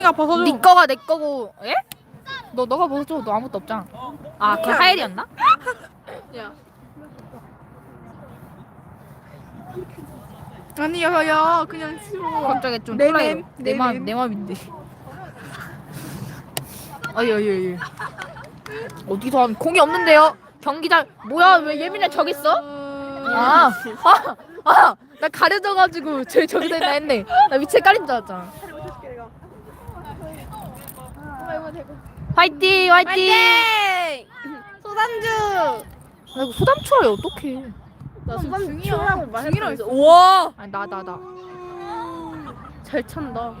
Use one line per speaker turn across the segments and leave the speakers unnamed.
벗어줘.
네 거가 내 거고. 예? 너가 벗어줘. 너 아무것도 없잖아. 아, 그 하엘이었나?
야. 아니 야 그냥 치워.
갑자기 좀
내
콜라이로.
맘, 내 맘.
내 맘인데. 아유. 어디서 한 공이 없는데요? 경기장 뭐야? 왜 예민해 저기 있어? 나 가려져가지고 저기다 있나 했네. 나 위치에 깔린 줄 알았잖아. 화이팅!
소단주.
아 이거 소담초라해 어떡해.
나
중이라고 말했어.
우와.
아니 나
잘 찬다.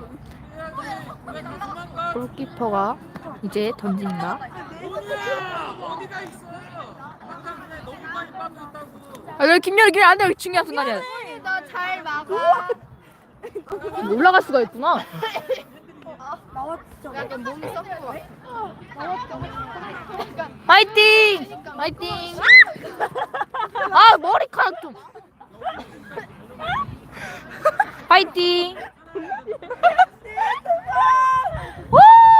골키퍼가 이제 던진다. 아 여기 김열이 안돼. 여기 중요한 순간이야.
너 잘 막아.
올라갈 수가 있구나.
약간 몸이 썩고.
화이팅! 아 머리카락 좀. 화이팅! 우!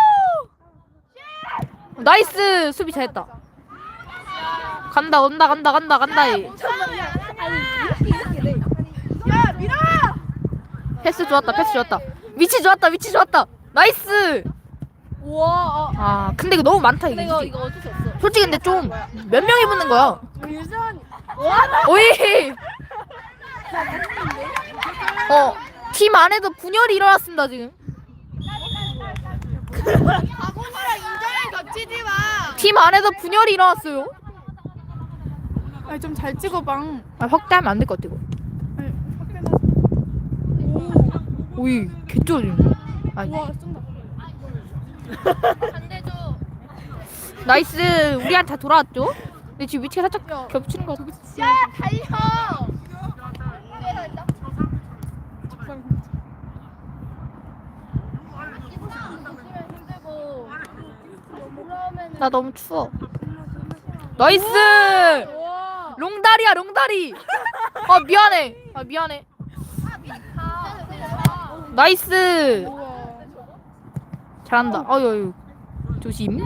나이스 수비 잘했다. 간다.
야 밀어.
패스 좋았다. 위치 좋았다. 나이스.
우와.
아 근데 이거 너무 많다 이게.
이거 어쩔 수 없어.
솔직히 근데 좀 몇 명이 붙는 거야?
유전.
오이. 팀 안에도 분열이 일어났습니다 지금.
바구니랑 인정을 겹치지 마.
팀 안에도 분열이 일어났어요.
아니 좀 잘 찍어방.
아 확대하면 안 될 것 같아 이거. 오이 개쩌지. 아
우와 쏜다.
반대줘.
나이스. 우리한테 돌아왔죠? 근데 지금 위치가 살짝 겹치는 것 같아.
야 달려.
나 너무 추워. 나이스.
우와.
롱다리. 아 미안해. 나이스.
우와.
잘한다. 어유 조심.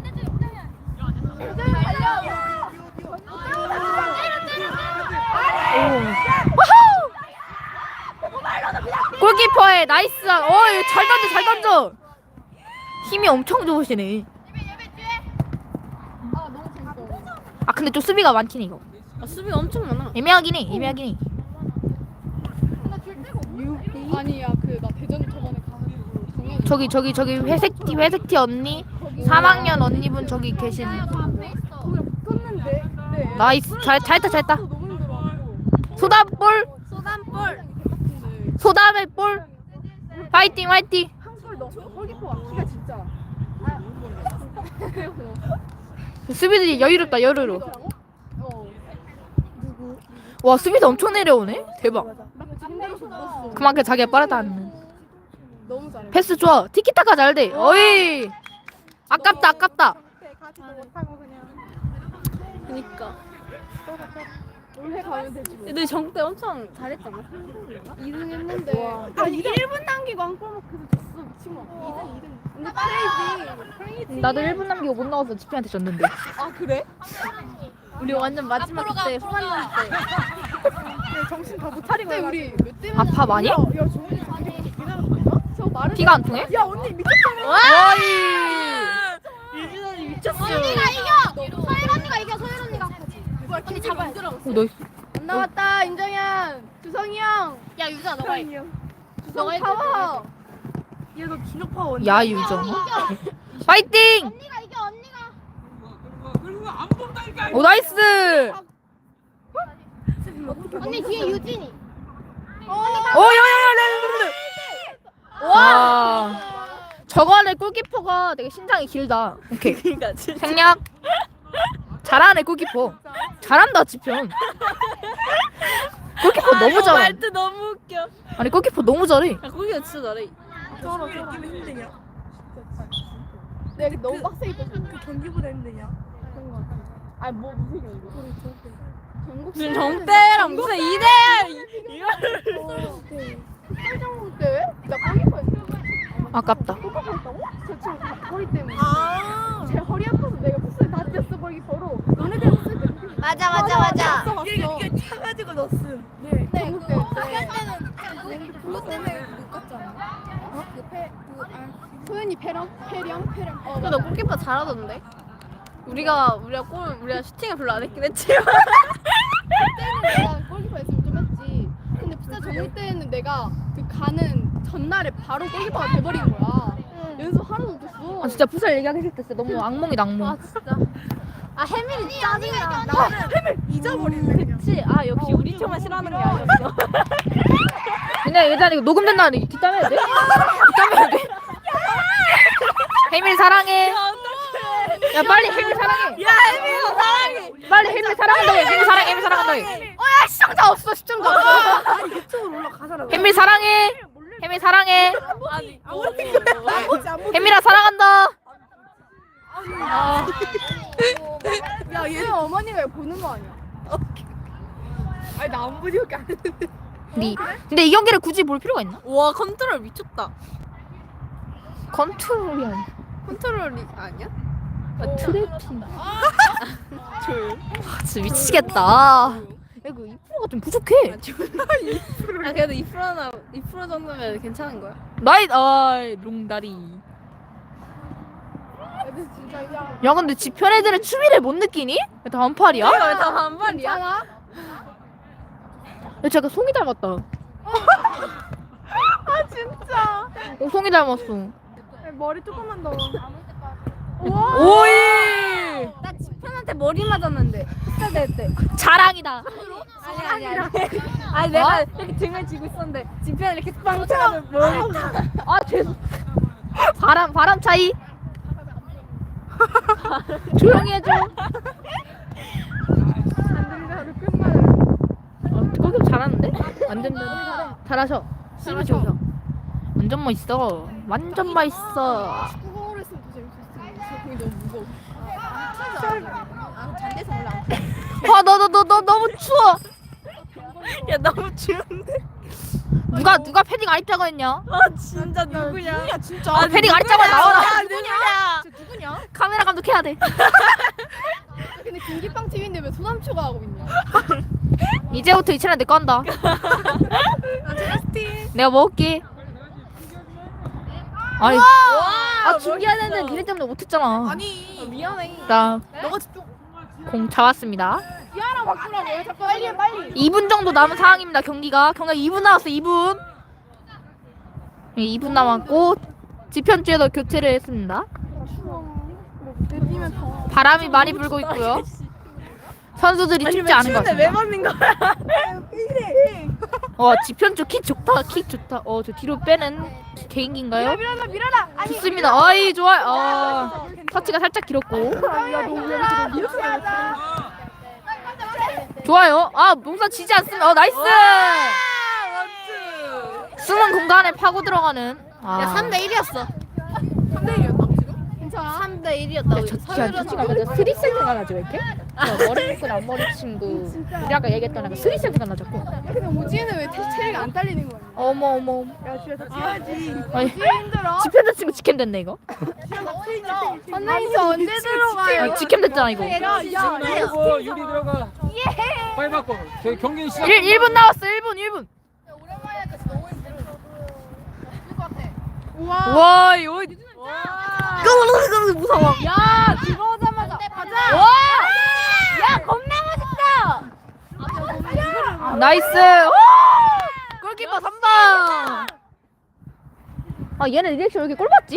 골키퍼의 나이스. 잘 던져. 힘이 엄청 좋으시네. 아 근데 좀 수비가 많긴 해 이거.
수비 엄청 많아.
애매하긴 해.
아니야 그 나 대전 저번에 가가지고
저기 회색티 언니 3학년 언니분 저기 계신.
붙었는데. 네.
나이스. 잘했다.
너무 힘들어.
소담볼. 소담의 볼. 파이팅.
한골 넣어. 골키퍼 막기가 진짜.
수비들이 여유롭다.
어.
와 수비도 엄청 내려오네. 대박.
나 지금대로 넣었어.
그만큼 자기가 빠르다는.
너무 잘해.
패스 좋아. 티키타카 잘 돼. 어이. 아깝다.
가지도 못하고 그냥. 그니까. 올해 가면 되지. 근데 정때 엄청 잘했잖아. 2등 했는데. 야 1분 남기고 한골 먹혀서 졌어 미친거. 2등. 근데 크레이지.
나도 1분 남기고 못 나와서 지피한테 졌는데.
아 그래? 우리 완전 마지막 때 후반전 때. 정신 다 못 차리고 우리 몇 대?
아파 많이?
야 정훈이 저 말을.
피가 안 통해?
야 언니 미쳤잖아.
와이.
유진언니 미쳤어.
언니가 이겨. 소율 언니가 이겨. 소율 언니가.
언니 잡아야 돼.
나이스.
안 나왔다 인정현. 주성이 형.
야 유자 너가 해.
주성 파워. 얘너 준혁 파워.
야 유정. 파이팅.
언니가 이겨. 언니가.
오 나이스.
언니 뒤에 유진이.
와. 저거 안에 골키퍼가 되게 신장이 길다. 오케이. 생략. 잘하네 골키퍼. 잘한다 지편. 골키퍼 너무 잘해.
말투 너무 웃겨.
아니 골키퍼 너무 잘해.
야 거기가 진짜 잘해. 저러 힘드냐? 내가 너무 빡세게 떴어. 그 경기보다 힘드냐? 아니 뭐 무슨 경기? 무슨 정대랑 무슨 2대 이거를. 설정국 때? 나 골키퍼였어.
아깝다.
저 친구 다 허리 때문에. 제 허리 아파서 내가 풋살 다 뛰었어 골키퍼로. 너네들 풋살 때.
맞아 맞아 맞아.
이게 차가지고 넣었음. 네. 전국 대회 때.
그것 때문에 못 갔잖아.
소연이 패령.
근데 너 골키퍼 잘하던데? 우리가 슈팅을 별로 안 했긴 했지만
그때는 내가 골키퍼 했으면 좀 했지. 근데 풋살 전국 때는 내가 그 가는 전날에 바로 골키퍼가 돼버린 거야. 연습 하나도 못했어.
아 진짜 부살 얘기하기 싫다. 진짜 너무 악몽이다 악몽.
진짜 아 해밀이 짜증나
잊어버리네.
그치 아 역시 우리 팀만 싫어하는 게 아니었어
그냥 예전에 이거 녹음된다는데 뒷담해야 돼? 뒷담해야 돼? 혜밀 사랑해. 야 빨리 혜밀 사랑해.
야 해밀이 사랑해
빨리 혜밀 사랑한다고 해. 혜밀 사랑해. 혜밀 사랑한다고 해.
시청자 없어 시청자 없어.
아니 이쪽으로 올라가잖아
혜밀 사랑해. 혜밀 사랑해.
아니
혜밀아 사랑한다.
야 얘는 어머니가 보는 거 아니야?
아니 나 안 보니까 안 했는데
근데 이 경기를 굳이 볼 필요가 있나?
와 컨트롤 미쳤다
컨트롤이 아니야.
컨트롤이 아니야?
트래핑. 진짜 미치겠다. 야, 그 2%가 좀 부족해.
아 그래도 2% 정도면 괜찮은 거야
롱다리.
애들 진짜 야
야, 근데 지편 애들은 추위를 못 느끼니? 왜 단팔이야?
이거 왜 다 반반이야?
괜찮아?
야, 제가 송이 닮았다.
아 진짜
송이 닮았어.
머리 조금만 더.
오이!
나 지편한테 머리 맞았는데 풋살 대회 때
자랑이다.
아니 아니 내가 이렇게 등을 쥐고 있었는데 지편이 이렇게 빵 차면 머리
아, 죄송. 바람 차이. 조용히 해줘. 거기 잘하는데? 완전 잘하셔. 힘이 좋으셔. 완전 멋있어. 완전 멋있어.
축구공으로 했으면 더 재밌었을 텐데. 공이 너무 무거워.
잔대서 올라.
너 너무 추워.
야 너무 추운데
누가 패딩 안 입자고 했냐?
아 진짜 누구냐
진짜.
아, 패딩 안 입자고 나와라.
누구냐
누구냐?
카메라 감독해야 돼.
근데 김기빵 TV인데 왜 소남초가 하고 있냐?
이제부터 이 채널 내 거 한다. 내가 먹을게. 아니, 준비하는데 니네 때문에 못했잖아.
아니.
미안해
나
너가 집중.
공 잡았습니다.
미아랑 바꾸라고. 자꾸 빨리.
2분 정도 남은 상황입니다. 경기가 2분 남았어. 2분. 2분 남았고 지편주에도 교체를 했습니다.
내리면 더.
바람이 많이 불고 있고요. 선수들이 춥지 않은 것
추운데 왜
같습니다.
맞는 거야
지편주 킥 좋다. 저 뒤로 빼는 개인기인가요?
밀어라. 아니.
좋습니다. 아이 좋아요. 터치가 살짝 길었고 좋아요. 몽산 지지 않습니다. 나이스. 숨은 공간에 파고 들어가는.
야 3대1이었어
3대1이었다고 지금? 괜찮아.
3대1이었다고
진짜 솔직히 스리 센스가 나죠 왜 이렇게? 머리 묶은 앞머리 친구. 우리 아까 얘기했던 애가 스리 센스가 나졌고.
근데 오지혜는 왜 체력이 안 딸리는 거야?
어머.
야 집에 다 뛰어야지.
아니,
힘들어.
지편자 친구 직캠 됐네 이거.
언니 언제 들어가요?
직캠 됐잖아 이거.
들어가고 유리 들어가. 빨리 바꿔. 저희 경기 시작.
1분 남았어. 1분.
우와.
와 이거
무서워 야 들어오자마자 가자
와
야 겁나 멋있다
나이스. 골키퍼 3방. 얘는 리액션 왜 이렇게 꼴 봤지?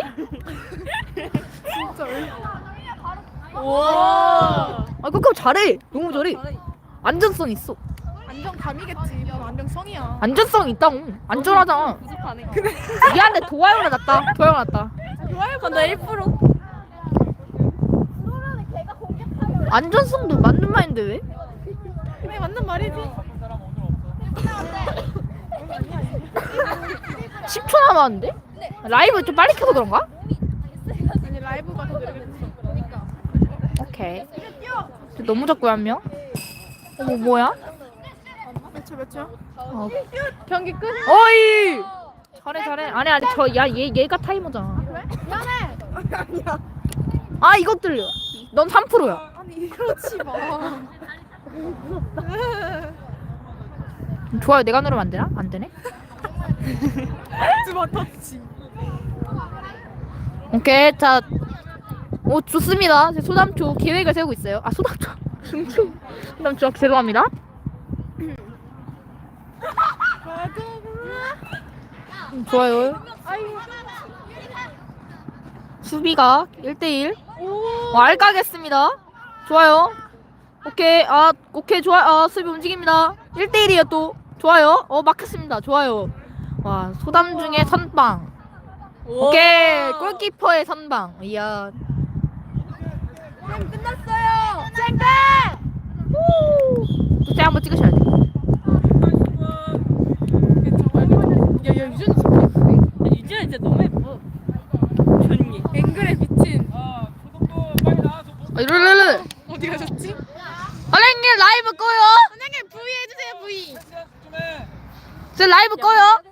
와
골키퍼 잘해. 너무 잘해. 안전성 있어.
안정감이겠지. 난 안정성이야.
안전성 있다고. 안전하잖아.
부족하네
미안해. 도화요가 낫다.
근데 1%
안전성도 맞는 말인데 왜?
그래 맞는 말이지.
10초 남았는데? 라이브 좀 빨리 켜서 그런가?
아니 라이브가 더 느리겠지.
오케이. 너무 작고요 한 명. 어머 뭐야?
몇 초?
어.
경기 끝.
어이. 잘해. 아니 얘가 타이머잖아. 미안해. 아 이것들. 넌 3%야.
아니 그렇지 마.
좋아요. 내가 누르면 안 되나? 안 되네.
주마 터치.
오케이. 자. 오 좋습니다. 제 소담초 계획을 세우고 있어요. 아 소담초. 소담초 죄송합니다. 좋아요. 수비가 1대1. 알까겠습니다. 좋아요. 오케이 좋아. 수비 움직입니다. 1대1이에요 또. 좋아요. 막혔습니다. 좋아요. 와 소담 중에 선방. 오케이 골키퍼의 선방. 이야.
끝났어요.
또 한번 찍으셔야 돼.
야야 유준이 좋다.
유진아 진짜 너무 예뻐. 좋니?
앵글에 비친.
이럴래.
어디 가셨지?
선생님 라이브 꺼요.
선생님 V 해주세요 V.
제 라이브 꺼요.